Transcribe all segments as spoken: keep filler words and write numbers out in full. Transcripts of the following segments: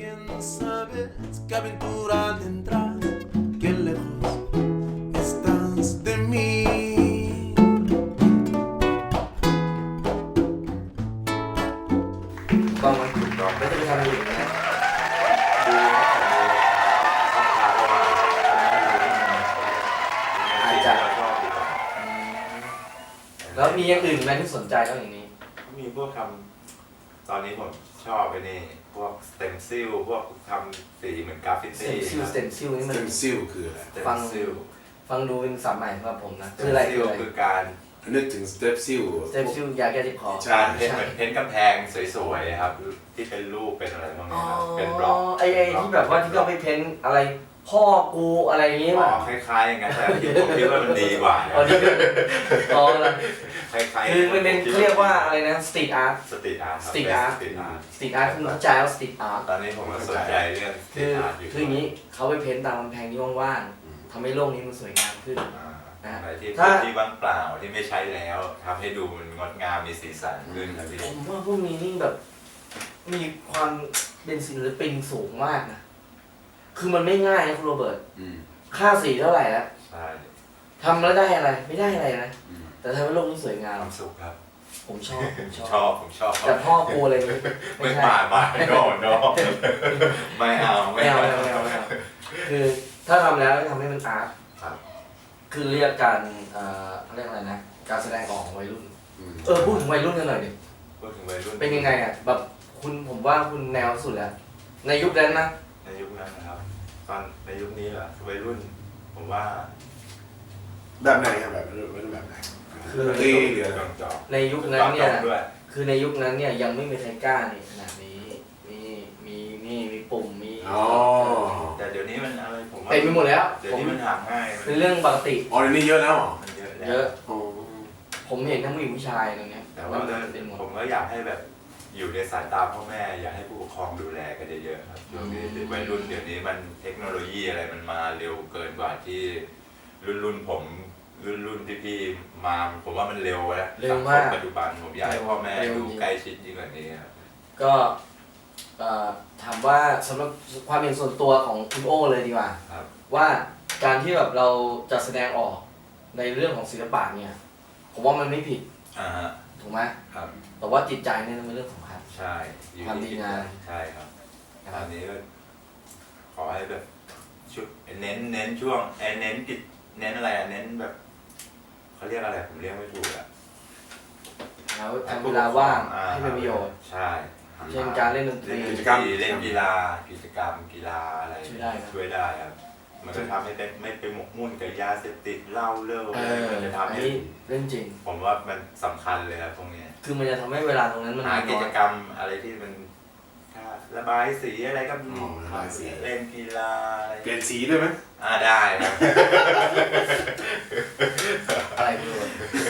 quién sabe qué aventura tendrá, qué lejos estás de mí. ถูกต้องไหมถูกต้องไม่ต้องไปทำอะไรอื่นนะดูอาจจะแล้วมีอย่างอื่นไหมที่สนใจนอกอย่างนี้มีพวกทำตอนนี้ผมชอบไปนี่พวกสเต็มซิลพวกทำสีเหมือนกราฟฟิสตี้เต็มซิลสเต็มซิลนี่สมันเต็มซิลคืออะไรสเต็มฟังซิลฟังดูเป็นศัพท์ใหม่สำหรับผมนะสคือเต็มอะไรซิคือลอะไรคือการนึกถึงสเต็มซิลสเต็มซิลยาแก้เจ็บคอใช่เพ้นท์เหมือนเพ้นท์กำแพงสวยๆครับที่เป็นรูปเป็นอะไรพวกนี้ครับเป็นบล็อกไอ้ไอ้ที่แบบว่าที่เขาไปเพ้นอะไรพ่อกูอะไรอย่างงี้อ๋ป่ะอคล้ายๆอย่างนั้นแต่ที่ผมคิดว่ามันดีกว่านะอ๋อนี่คืออ๋อนะคล้ายๆคือมันเป็นเขาเรียกว่าอะไรนะสตรีทอาร์ตสตรีทอาร์ตสตรีทอาร์ตสตรีทอาร์ตสตรีทอาร์ตคุณเข้าใจว่าสตรีทอาร์ตตอนนี้ผมก็สนใจเรื่องสตรีคือทอาร์ตอยู่คืออย่างนี้เขาไปเพ้นตามกำแพงที่ว่างๆทำให้โลกนี้มันสวยงามขึ้นอ่าอะไรที่ถ้าที่ว่างเปล่าที่ไม่ใช้แล้วทำให้ดูมันงดงามมีสีสันขึ้นครับพี่ผมว่าพวกนี้นี่แบบมีความเป็นศิลปินสูงมากนะคือมันไม่ง่ายนะคุณโรเบิร์ตอืมค่าสีเท่าไหร่แล้วใช่ทำแล้วได้อะไรไม่ได้อะไรนะอืมแต่ทำให้โลกนี้สวยงามความสุขครับผมชอบผมชอบชอบผมชอบแต่พ่อกูอะไรนี้ไม่ใช่มามาโนโนไม่เอาไม่เอาไม่เอาไม่เอาไม่เอาคือถ้าทำแล้วทำให้มันอาร์ตครับคือเรียกการเอ่อเขาเรียกอะไรนะการแสดงออกของวัยรุ่นอืมเออพูดถึงวัยรุ่นกันหน่อยดิพูดถึงวัยรุ่นเป็นยังไงอ่ะแบบคุณผมว่าคุณแนวสุดแล้ว ในยุคนั้นนะในยุคนั้นนะครับ ตอนในยุคนี้เหรอวัยรุ่น ผมว่าแบบไหนครับแบบเป็นแบบไหนคือตีเหลือจองจอในยุคนั้นเนี่ยด้วยคือในยุคนั้นเนี่ยยังไม่มีใครกล้านี่ขนาดนี้มีมีนี่มีปุ่มมีอ๋อแต่เดี๋ยวนี้มันอะไรผมว่าเต็มไปหมดแล้วเดี๋ยวผมนี้มันหาง่ายเป็นเรื่องปกติอ๋อเดี๋ยวนี้เยอะแล้วเหรอมันเยอะแล้วเยอะอ๋อผมเห็นทั้งผู้หญิงผู้ชายตรงเนี้ยแต่ว่าเต็มหมดผมก็อยากให้แบบอยู่ในสายตาพ่อแม่ อยากให้ผู้ปกครองดูแลกันเยอะๆครับช่วงนี้อืมวัยรุ่นเดี๋ยวนี้มันเทคโนโลยีอะไรมันมาเร็วเกินกว่าที่รุ่นรุ่นผมรุ่นรุ่นที่พี่มาผมว่ามันเร็วแล้วเร็วสังคมากปัจจุบันผมอยากให้พ่อแม่เร็วดูจริงใกล้ชิดยิ่งกว่านี้ครับก็เอ่อถามว่าสำหรับความเห็นส่วนตัวของคุณโอเลยดีกว่าครับว่าการที่แบบเราจะแสดงออกในเรื่องของศิลปะเนี่ยผมว่ามันไม่ผิดอ่าฮะถูกไหมครับแต่ว่าจิตใจเนี่ยเป็นเรื่องสำคัญใช่อยู่ความดีที่งามใช่ครับนะตคอรับนนี้ก็ขอให้แบบชุดเน้นเน้นช่วงเอ้ยเน้นกิจเน้นอะไรอะเน้นแบบเขาเรียกอะไรผมเรียกไม่ถูกอะแล้วทำเวลาว่างให้เป็นประโยชน์ใช่เช่นการเล่นดนตรีเล่นกิจกรรมเล่นกีฬากิจกรรมกีฬาอะไรช่วยได้นะช่วยได้ครับ มันจะทำให้เป็นไม่ไปหมกมุ่นกับยาเสพติดเหล้าเลิกเออะไรอมันจะอันทำให้นี้เรื่องจริงผมว่ามันสำคัญเลยครับตรงเนี้ยคือมันจะทำให้เวลาตรงนั้นมันหาน้กิอจยกรรมอะไรที่มันถ้าระบายสีอะไรก็มีอ๋อระบายสีเล่นกีฬาอะไรเปลี่ยนสีด้วยไหมอ่าได้ครับอะไรไม่รู้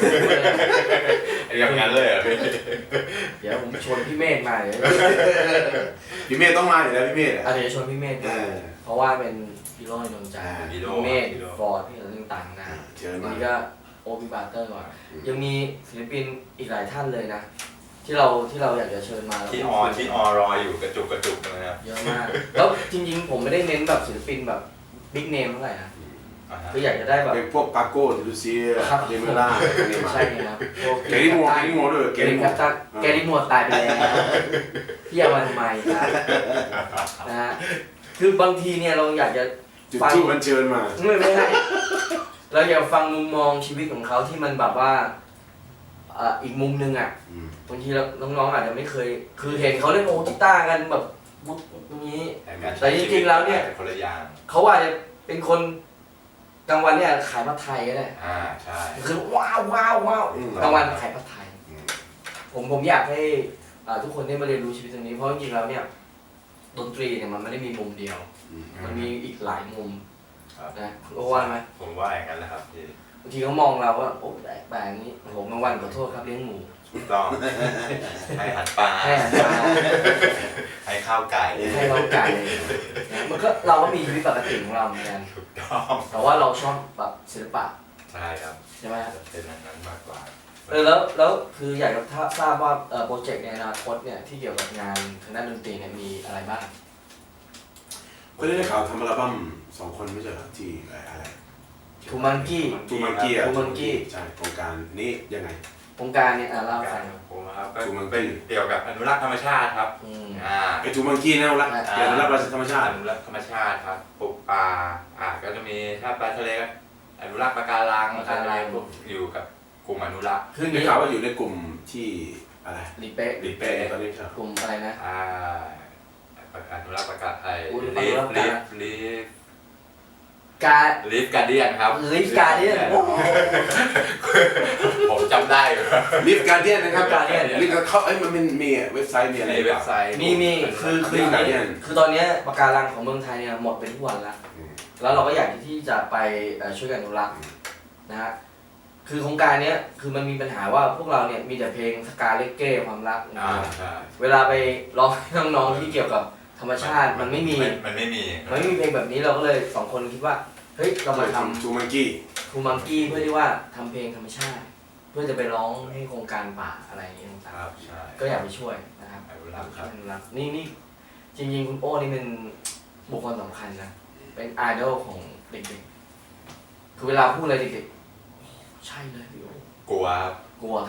อย่างนั้นเลยเหรอพี่เดี๋ยวผมชวนพี่เมธมาเดี๋ยวพี่เมฆต้องมาอยู่แล้วพี่เมฆอ่ะอะเดี๋ยวชวนพี่เมธเอมาอเพราะว่าเป็นฮีโร่ในดวงใจอ่าฮีโร่พี่เมธฮีโร่ฟอร์ดพี่อะไรต่างๆนะเชิญวันมานี้ก็โอปิบาร์เตอร์ก่อนอืมยังมีศิลปินอีกหลายท่านเลยนะ ที่เราที่เราอยากจะเชิญมาแล้วที่ออที่ออรออยู่กระจุกกระจุกนะครับเยอะมาก แล้วจริงๆ ผมไม่ได้เน้นแบบศิลปินแบบบิ๊กเนมเท่าไหร่นะอ่าฮะคืออยากจะได้แบบเป็นพวกปาโก้ลูเซียครับเดมิล่าอะไรพวกนี้มาใช่ครับพวกแกริโมแกริโมด้วยแกแกริริโมโมตันแกริโมตายไปแล้วพี่เอามาทำไมครับนะฮะคือบางทีเนี่ยเราอยากจะจุดฟังทูบมันเชิญมาไม่ไม่ใช่เราอยากฟังมุมมองชีวิตของเขาที่มันแบบว่าเอ่ออีกมุมนึงอ่ะอืมบางทีเราน้องๆอาจจะไม่เคย คือเห็นเขาเล่นโอกีตาร์กันแบบบุ๊บอย่างนี้ แต่จริงๆแล้วเนี่ยคนละอย่างเขาอาจจะเป็นคนกลางวันเนี่ยขายผัดไทยก็ได้อ่าใช่คือว้าวว้าวว้าวอืมกลางวันขายผัดไทยอืมผมผมอยากให้อ่าทุกคนได้มาเรียนรู้ชีวิตตรงนี้ เพราะจริงๆแล้วเนี่ยดนตรีเนี่ยมันไม่ได้มีมุมเดียวอืมมันมีอีกหลายมุมครับนะคุณโอว่าไหมผมว่าอย่างนั้นแหละครับพี่บางทีเขามองเราว่าโอ้แปลกแปลกนี้ผมบางวันขอโทษครับเลี้ยงหมูถูกต้อง ให้หัดปลาให้อาหารให้ข้าวไก่ให้เราไก่นะมันก็เราก็มีชีวิตปกติของเราเหมือนกันถูกต้องแต่ว่าเราชอบแบบศิลปะใช่ครับใช่ไหมครับเป็นอย่างนั้นมากกว่าเออแล้วแล้วคืออยากจะทราบว่าเอ่อโปรเจกต์ในอนาคตเนี่ยที่เกี่ยวกับงานทางด้านดนตรีเนี่ยมีอะไรบ้างก็ได้ข่าวทำอัลบั้มสองคนไม่ใช่เหรอที่อะไรทูมังกี้ทูมังกี้อ่ะทูมังกี้ใช่โครงการนี้ยังไงโครงการเนี่ยอ่ะเล่าให้กาฟัรง ของผมนะครับก็ทูมังกี้เป็นเกี่ยวกับอนุรักษ์ธรรมชาติครับอืมอ่าไอ้ทูมังกี้นะรักเกี่ยวกับรักธรรมชาติอนุรักษ์ธรรมชาติครับปลูกป่าอ่าก็จะมีถ้าปลาทะเลก็อนุรักษ์ปะการังปะการังพวกอยู่กับกลุ่มอนุรักษ์คือได้นี้ข่าวว่าอยู่ในกลุ่มที่อะไรรีเป๊ะรีเป้ตอนนี้ใช่กลุ่มอะไรนะอ่าอนุรักษ์ปะการไอ้อุ้ยลีฟอนุรัลีกษ์ฟลีฟการลีฟการเดียนครับ Leaf Guardian โอ้โหผมจำได้อยู่ลิฟการเดียนนะครับ Guardian ลิฟเขาเอ้ยมันเป็นมีเว็บไซต์มีอะไรในเว็บไซต์มีมีคือคืออย่าง Leaf นี้ Guardian คือตอนเนี้ยปะการังของเมืองไทยเนี่ยหมดไปทุกวันแล้วอืมแล้วเราก็อยากที่จะไปเอ่อช่วยกันอนุรักษ์นะฮะ คือโครงการเนี้ยคือมันมีปัญหาว่าพวกเราเนี่ยมีแต่เพลงสกาเลเก้ความรักนะอ่าใช่เวลาไปร้องให้น้องๆที่เกี่ยวกับธรรมชาติมันไม่มีมันไม่มีมันไม่มีเพลงแบบนี้เราก็เลยสองคนคิดว่าเฮ้ยเรามาทำทูมังกี้ทูมังกี้เพื่อที่ว่าทำเพลงธรรมชาติ เพื่อจะไปร้องให้โครงการป่าอะไรอย่างเงี้ยคต่างรับใช่ๆก็อยากไปช่วยนะครับอนุรักษ์ครับอนุรักษ์นี่นี่จริงๆคุณโอ้นี่เป็นบุคคลสำคัญนะเป็นไอดอลของเด็กๆคือเวลาพูดอะไรเด็กๆใช่เลยพี่โอ้กลัวครับกลัว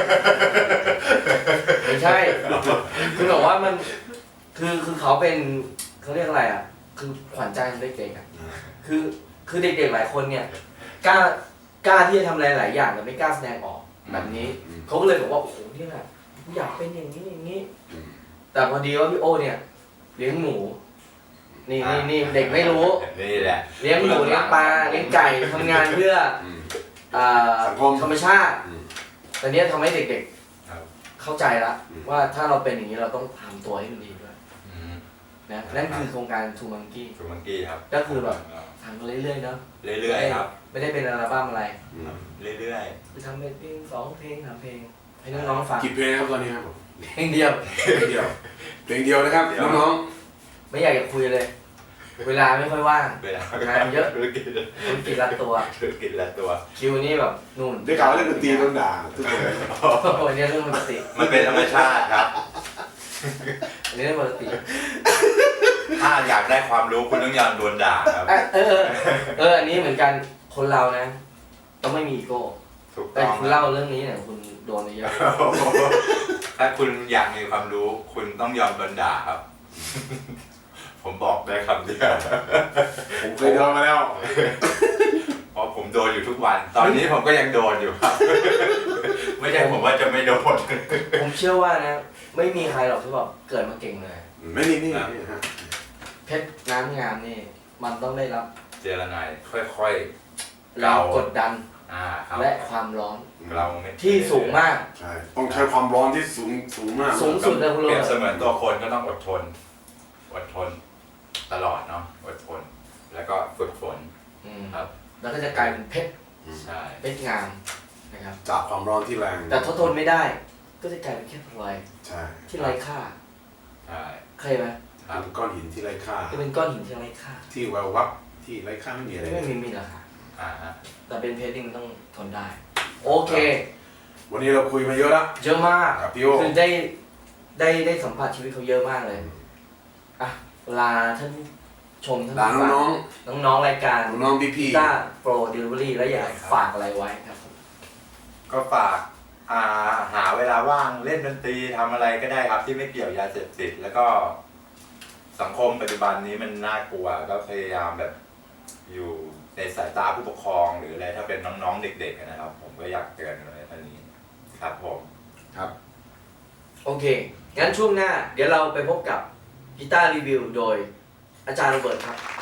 ไม่ใช่คือแบบว่ามันคือคือเขาเป็นเขาเรียกอะไรอ่ะคือขวัญใจของเด็กๆอ่ะคือคือเด็กๆหลายคนเนี่ยกล้ากล้าที่จะทำอะไรหลายอย่างแต่ไม่กล้าแสดงออกแบบนี้อืมเขาก็เลยบอกว่าโอ้โหเนี่ยกูอยากเป็นอย่างนี้อย่างนี้อืมแต่พอดีว่าพี่โอเนี่ยเลี้ยงหมูนี่นี่นี่เด็กไม่รู้นี่แหละเลี้ยงหมูเลี้ยงปลาเลี้ยงไก่ทำงานเพื่ออืมอ่าสังคมธรรมชาติอืมตอนนี้ทำให้เด็กครับๆเข้าใจละอืมว่าถ้าเราเป็นอย่างนี้เราต้องทำตัวให้มันดีด้วยอืมนะนั่นคือโครงการทูมังกี้ทูมังกี้ครับก็คือแบบ ทำไปเรื่อยๆเนาะเรื่อยๆครับไม่ได้เป็นอัลบั้มอะไรอืมเรื่อยคือทำเป็นเพลงสองเพลงสามเพลงให้น้องๆฟังกี่เพลงครับตอนนี้ครับผมเพลงเดียวเพลงเดียวเพลงเดียวนะครับน้องไม่อยากจะคุยเลย เวลาไม่ค่อยว่างๆเวลางานเยอะธุรกิจธุรกิจรัดตัวธุรกิจละตัวคิวนี่แบบนู่นๆได้ข่าวว่าเล่นดนตรีโดนด่าทุกคนวันนี้เรื่องปกติมันเป็นธรรมชาติครับอันนี้เรื่องปกติถ้าอยากได้ความรู้คุณต้องยอมโดนด่าครับเออเออเอออันนี้เหมือนกันคนเรานะต้องไม่มีอีโก้ถูกแต่ต้องคุณเล่าเรื่องนี้เนี่ยคุณโดนไปเยอะถ้าคุณอยากมีความรู้ คุณต้องยอมโดนด่าครับ ผมบอกได้คำเดียวผมเคยโดนมาแล้วเพราะผมโดนอยู่ทุกวัน ตอนนี้ผมก็ยังโดนอยู่ครับ ไม่ใช่ผมว่าจะไม่โดนผมเชื่อว่านะ ไม่มีใครหรอกที่แบบเกิดมาเก่งเลยไม่นี่นี่นี่ฮะเพชรน้ำงามนี่ มันต้องได้รับเจรนายค่อยๆแรงกดดันอ่าครับและความร้อนเราไม่ที่สูงมากใช่ต้องใช้ความร้อนที่สูงสูงมากสูงสุดเลยคุณเปโรรียบเบิเสร์ตมือนตัวคนก็ต้องอดทน อดทน ตลอดเนาะ อดทน แล้วก็ฝึกฝนอืมครับแล้วก็จะกลายเป็นเพชรใช่เพชรงามนะครับจากความร้อนที่แรงแต่ทนทนไม่ได้ ก็จะกลายเป็นแค่พลอยใช่ที่ไร้ค่าใช่เคยไหมครับเป็นก้อนหินที่ไร้ค่าจะเป็นก้อนหินที่ไร้ค่าที่แวววับที่ไร้ค่าไม่มีอะไรไม่มีมีราคาอ่าฮะแต่เป็นเพชรที่มันต้องทนได้ โอเควันนี้เราคุยมาเยอะแล้วเยอะมากครับพี่โอคือได้ได้ได้สัมผัสชีวิตเขาเยอะมากเลย อ่ะลาท่านผู้ชมท่านหลานผู้ฟัน้องน้องๆรายการๆน้องๆพี่ต้าโปรเดลิเวอรี่แล้วอยากฝากอะไรไว้ครับผมก็ฝากอ่าหาเวลาว่างเล่นดนตรีทำอะไรก็ได้ครับ ที่ไม่เกี่ยวยาเสพติดแล้วก็สังคมปัจจุบันนี้มันน่ากลัวก็พยายามแบบอยู่ในสายตาผู้ปกครองหรืออะไรถ้าเป็นน้องๆเด็กๆนะครับ ผมก็อยากเตือนเลยท่านนี้ครับผมครับโอเค งั้นช่วงหน้า เดี๋ยวเราไปพบกับกีตาร์รีวิวโดยอาจารย์โรเบิร์ตครับ